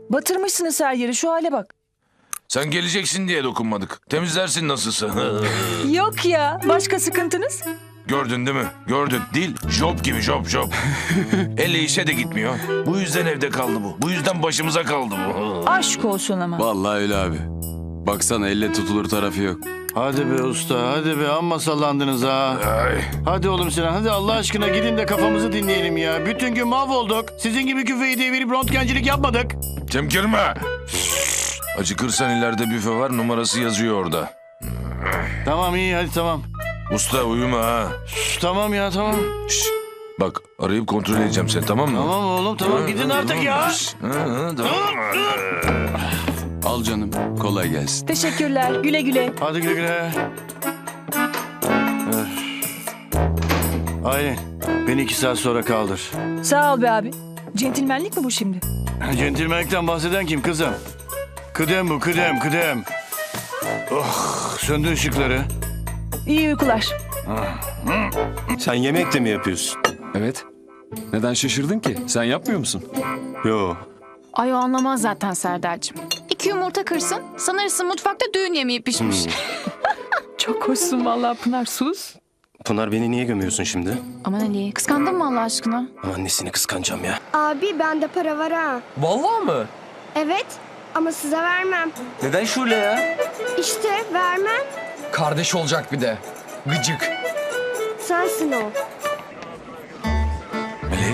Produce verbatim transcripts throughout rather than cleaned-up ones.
Batırmışsınız her yeri, şu hale bak. Sen geleceksin diye dokunmadık. Temizlersin nasılsa. Yok ya, başka sıkıntınız? Gördün değil mi? Gördün. Dil job gibi job job. Elle işe de gitmiyor. Bu yüzden evde kaldı bu. Bu yüzden başımıza kaldı bu. Aşk olsun ama. Vallahi öyle abi. Baksana elle tutulur tarafı yok. Hadi be usta, hadi be, amma sallandınız ha. Ay. Hadi oğlum Sinan, hadi Allah aşkına gidin de kafamızı dinleyelim ya. Bütün gün mahvolduk. Sizin gibi küfeyi devirip röntgencilik yapmadık. Çemkirme. Acıkırsan ileride büfe var, numarası yazıyor orada. Tamam iyi, hadi tamam. Usta uyuma ha. Şş, tamam ya, tamam. Şş, bak arayıp kontrol edeceğim seni, tamam mı? Tamam oğlum, tamam, gidin artık ya. Şş, hı, hı, tamam. Al canım, kolay gelsin. Teşekkürler, güle güle. Hadi güle güle. Öf. Aylin, beni iki saat sonra kaldır. Sağ ol be abi. Centilmenlik mi bu şimdi? Centilmenlikten bahseden kim kızım? Kıdem bu, kıdem, kıdem. Oh, söndür ışıkları. İyi uykular. Sen yemek de mi yapıyorsun? Evet. Neden şaşırdın ki? Sen yapmıyor musun? Yo. Ay o anlamaz zaten Serdar'cığım. İki yumurta kırsın, sanırsın mutfakta düğün yemeği pişmiş. Çok hoşsun vallahi Pınar, sus. Pınar beni niye gömüyorsun şimdi? Aman Ali, kıskandın mı Allah aşkına? Ama annesini kıskanacağım ya. Abi bende para var ha. Vallahi mı? Evet ama size vermem. Neden Şule ya? İşte vermem. Kardeş olacak bir de. Gıcık. Sensin o. Melek.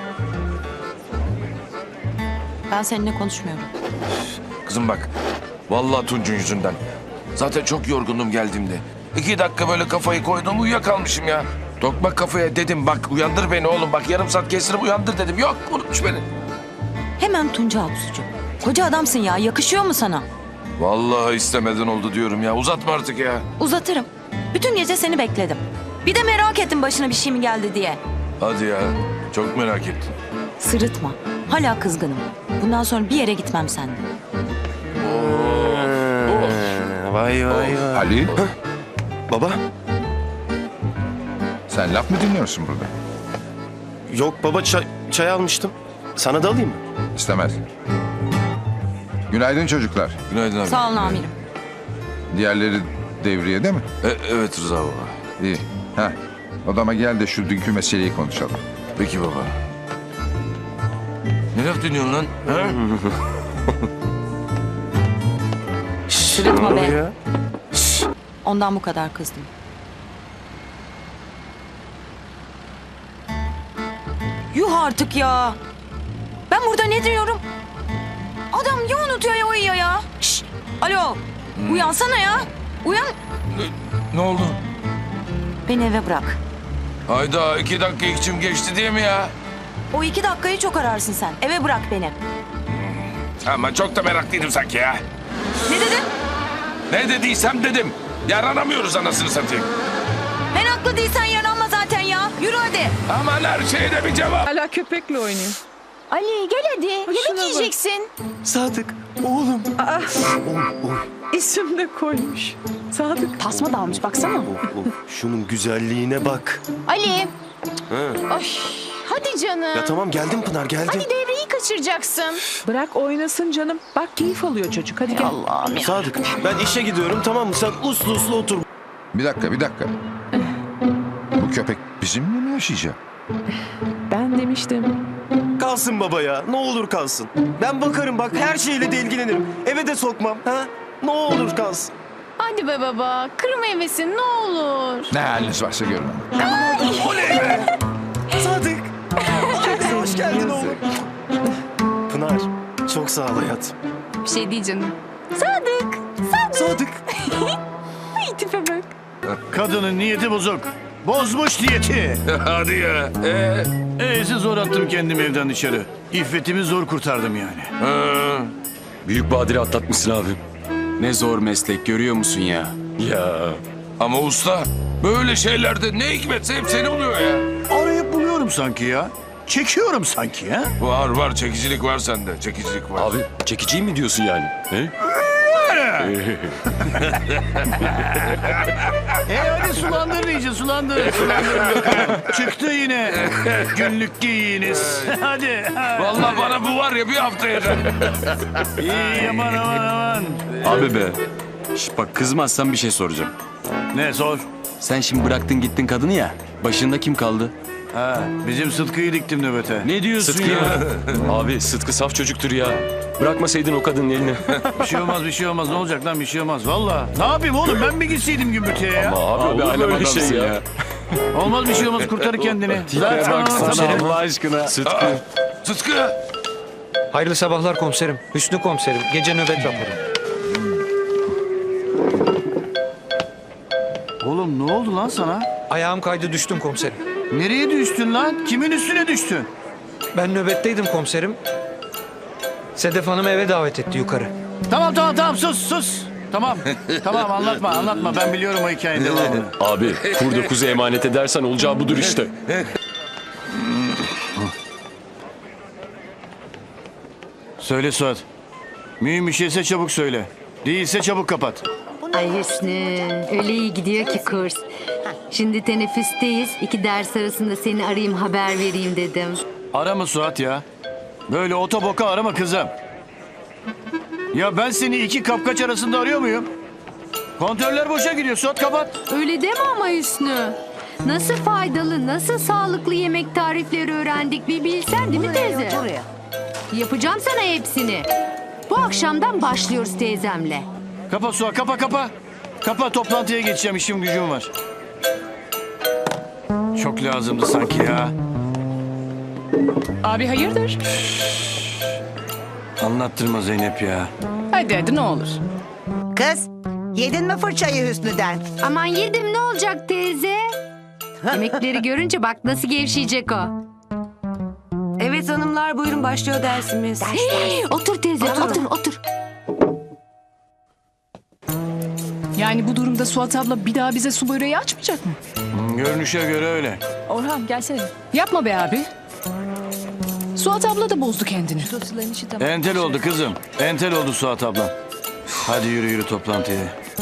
Ben seninle konuşmuyorum. Kızım bak. Vallahi Tunç'un yüzünden. Zaten çok yorgundum geldiğimde. İki dakika böyle kafayı koydum, uyuyakalmışım ya. Tokmak kafaya dedim, bak uyandır beni oğlum. Bak yarım saat kestirip uyandır dedim. Yok, unutmuş beni. Hemen Tunca Absucuğum. Koca adamsın ya, yakışıyor mu sana? Vallahi istemeden oldu diyorum ya. Uzatma artık ya. Uzatırım. Bütün gece seni bekledim. Bir de merak ettim başına bir şey mi geldi diye. Hadi ya. Çok merak ettim. Sırıtma. Hala kızgınım. Bundan sonra bir yere gitmem seninle. Vay vay vay. Ali, Baba? sen laf mı dinliyorsun burada? Yok baba, çay, çay almıştım. Sana da alayım mı? İstemez. Günaydın çocuklar. Günaydın abi. Sağ olun amirim. Diğerleri devriyede mi? E, evet Rıza baba. İyi. Heh. Odama gel de şu dünkü meseleyi konuşalım. Peki baba. Ne laf dinliyorsun lan? Ha? Sırıtma be. Ya. Ondan bu kadar kızdım. Yuh artık ya. Ben burada ne diyorum? Adam ya unutuyor ya uyuyor ya. Şşş. Alo. Uyansana ya. Uyan. Ne oldu? Beni eve bırak. Hayda, iki dakika içim geçti diye mi ya? O iki dakikayı çok ararsın sen. Eve bırak beni. Ama çok da meraklıydım sanki ya. Ne dedin? Ne dediysem dedim. Yaranamıyoruz anasını satayım. Meraklı değilsen yaranma zaten ya. Yürü hadi. Aman her şeyde bir cevap. Hala köpekle oynuyor. Ali gel hadi, yemek şuna bak. yiyeceksin. Sadık, oğlum. İsim de koymuş. Sadık. Tasma da almış baksana. Of, of, şunun güzelliğine bak. Ali. Ha. Ay, hadi canım. Ya tamam, geldim Pınar, geldim. Hadi devreyi kaçıracaksın. Bırak oynasın canım. Bak keyif alıyor çocuk. Hadi gel. Allah'ım ya. Sadık, ben işe gidiyorum, tamam mı? Sen uslu uslu otur. Bir dakika, bir dakika. Bu köpek bizimle mi yaşayacak? Ben demiştim. Kalsın baba ya, ne olur kalsın. Ben bakarım bak, her şeyle de ilgilenirim. Eve de sokmam, ha? Ne olur kalsın. Hadi be baba, kırma hevesin ne olur. Ne haliniz varsa görün. Sadık. Aileye hoş geldin oğlum. Pınar, çok sağ ol hayatım. Bir şey değil canım. Sadık. Sadık. Ay tipe bak. Kadının niyeti bozuk. Bozmuş niyeti. Hadi ya. Ee? E'si zor attım kendimi evden dışarı. İffetimi zor kurtardım yani. Ha. Büyük badire atlatmışsın abi. Ne zor meslek, görüyor musun ya? Ya. Ama usta böyle şeylerde ne hikmetse hep seni buluyor ya. Arayıp buluyorum sanki ya. Çekiyorum sanki ya. Var var, çekicilik var sende. Çekicilik var. Abi çekiciyim mi diyorsun yani? He? e hadi sulandırın iyice sulandırın. Sulandırın bakalım. Çıktı yine. Günlük giyiniz. Hadi. Vallahi bana bu var ya bir hafta yeter. İyi aman aman aman. Abi be. Şş, bak kızmazsan bir şey soracağım. Ne sor? Sen şimdi bıraktın gittin kadını ya. Başında kim kaldı? Ha, bizim Sıtkı'yı diktim nöbete. Ne diyorsun Sıtkı ya? Abi Sıtkı saf çocuktur ya. Bırakmasaydın o kadının elini. Bir şey olmaz bir şey olmaz. Ne olacak lan bir şey olmaz. Valla. Ne yapayım oğlum ben mi gitseydim gümbürtüye ya? Abi, Abi olur alem böyle adamsın şey ya. ya. Olmaz bir şey olmaz kurtarır kendini. Lan, tamam, tamam. Allah aşkına. Sıtkı. Sıtkı. Hayırlı sabahlar komiserim. Hüsnü komiserim. Gece nöbet raporu. Oğlum ne oldu lan sana? Ayağım kaydı düştüm komiserim. Nereye düştün lan? Kimin üstüne düştün? Ben nöbetteydim komiserim. Sedef Hanım eve davet etti yukarı. Tamam tamam tamam sus sus. Tamam tamam anlatma anlatma ben biliyorum o hikayenin devamını. Abi kurda kuzu emanet edersen olacağı budur işte. Söyle Suat. Mühim bir şeyse çabuk söyle. Değilse çabuk kapat. Ay Hüsnü, öyle iyi gidiyor ki kurs. Şimdi teneffüsteyiz. İki ders arasında seni arayayım, haber vereyim dedim. Arama Suat ya. Böyle otoboka arama kızım. Ya ben seni iki kapkaç arasında arıyor muyum? Kontörler boşa gidiyor. Suat kapat. Öyle deme ama Hüsnü. Nasıl faydalı, nasıl sağlıklı yemek tarifleri öğrendik bir bilsen değil mi teyze? Yapacağım sana hepsini. Bu akşamdan başlıyoruz teyzemle. Kapa Suat kapa kapa. Kapa toplantıya geçeceğim işim gücüm var. Çok lazımdı sanki ya. Abi hayırdır? Anlattırma Zeynep ya. Hadi hadi ne olur. Kız yedin mi fırçayı Hüsnü'den? Aman yedim ne olacak teyze? Yemekleri görünce bak nasıl gevşeyecek o. Evet hanımlar buyurun başlıyor dersimiz. Hey, otur teyze otur otur. Yani bu durumda Suat abla bir daha bize su böreği açmayacak mı? Görünüşe göre öyle. Orhan gelsene. Yapma be abi. Suat abla da bozdu kendini. Entel oldu kızım. Entel oldu Suat abla. Hadi yürü yürü toplantıya.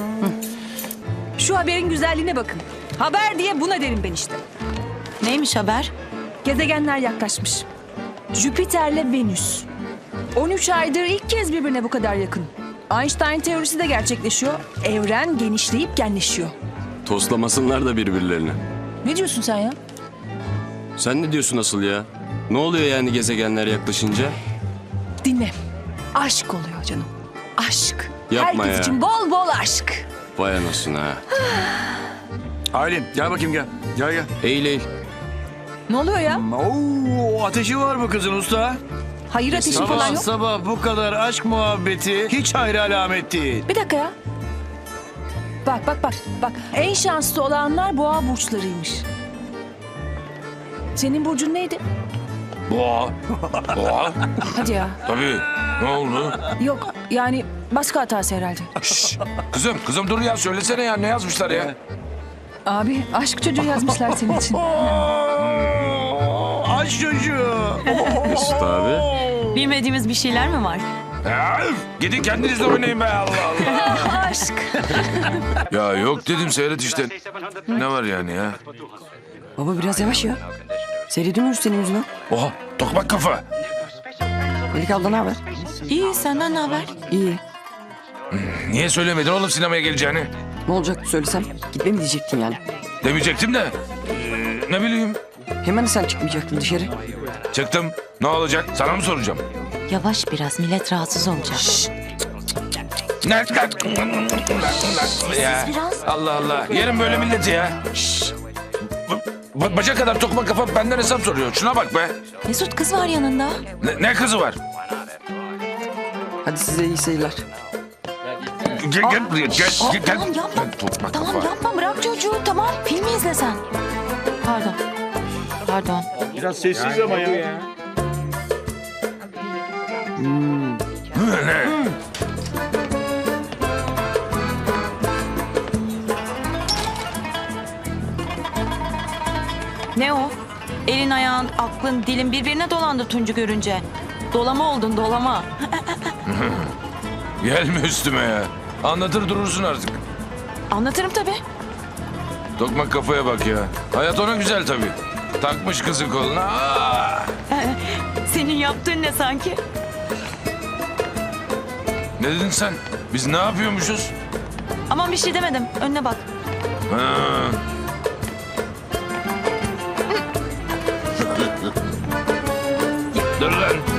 Şu haberin güzelliğine bakın. Haber diye buna derim ben işte. Neymiş haber? Gezegenler yaklaşmış. Jüpiter'le Venüs. on üç aydır ilk kez birbirine bu kadar yakın. Einstein teorisi de gerçekleşiyor. Evren genişleyip genleşiyor. Toslamasınlar da birbirlerini. Ne diyorsun sen ya? Sen ne diyorsun asıl ya? Ne oluyor yani gezegenler yaklaşınca? Dinle. Aşk oluyor canım. Aşk. Yapma Herkes ya. için bol bol aşk. Vay anasını ha. Aylin gel bakayım gel. Gel gel. Eğil eğil. Ne oluyor ya? Oo, ateşi var mı kızın usta? Hayır ateşi falan Sabah yok. sabah bu kadar aşk muhabbeti hiç hayra alamet değil. Bir dakika ya. Bak bak bak. Bak en şanslı olanlar boğa burçlarıymış. Senin burcun neydi? Boğa. Boğa. Hadi ya. Tabii. Ne oldu? Yok yani başka hatası herhalde. Şşş. Kızım kızım dur ya söylesene ya ne yazmışlar ya? Abi aşk çocuğu yazmışlar senin için. Aşk çocuğu. Mesut abi. Bilmediğimiz bir şeyler mi var? Ya, üf, gidin kendinizle oynayın be Allah Allah. Aşk. Ya yok dedim seyret işte. Ne var yani ya? Baba biraz yavaş ya. Seyredemiyoruz senin yüzünden. Oha tokmak kafa. Melike abla ne haber? İyi senden ne haber? İyi. Niye söylemedin oğlum sinemaya geleceğini? Ne olacak söylesem gitme mi diyecektin yani? Demeyecektim de. Ee, ne bileyim. Hemen sen çıkmayacaktın dışarı. Çıktım. Ne olacak? Sana mı soracağım? Yavaş biraz millet rahatsız olacak. Ne? Ya. Allah Allah. Yerim böyle milleti ya. Ba- baca kadar tokma kafa benden hesap soruyor. Şuna bak be. Mesut kız var yanında. Ne, ne kızı var? Hadi size iyi seyirler. Gel gel buraya. Gel gel. gel. Tamam yapma. Tokma Tamam kafa. yapma bırak çocuğu tamam. Filmi izle sen. Pardon. Pardon. Biraz sessiz ama ya. Ne? Ne o? Elin ayağın, aklın, dilin birbirine dolandı Tuncu görünce. Dolama oldun dolama. Gelme üstüme ya. Anlatır durursun artık. Anlatırım tabii. Tokmak kafaya bak ya. Hayat ona güzel tabii. Takmış kızı koluna. Aa! Senin yaptığın ne sanki? Ne dedin sen? Biz ne yapıyormuşuz? Aman bir şey demedim. Önüne bak. Ha. Dur lan.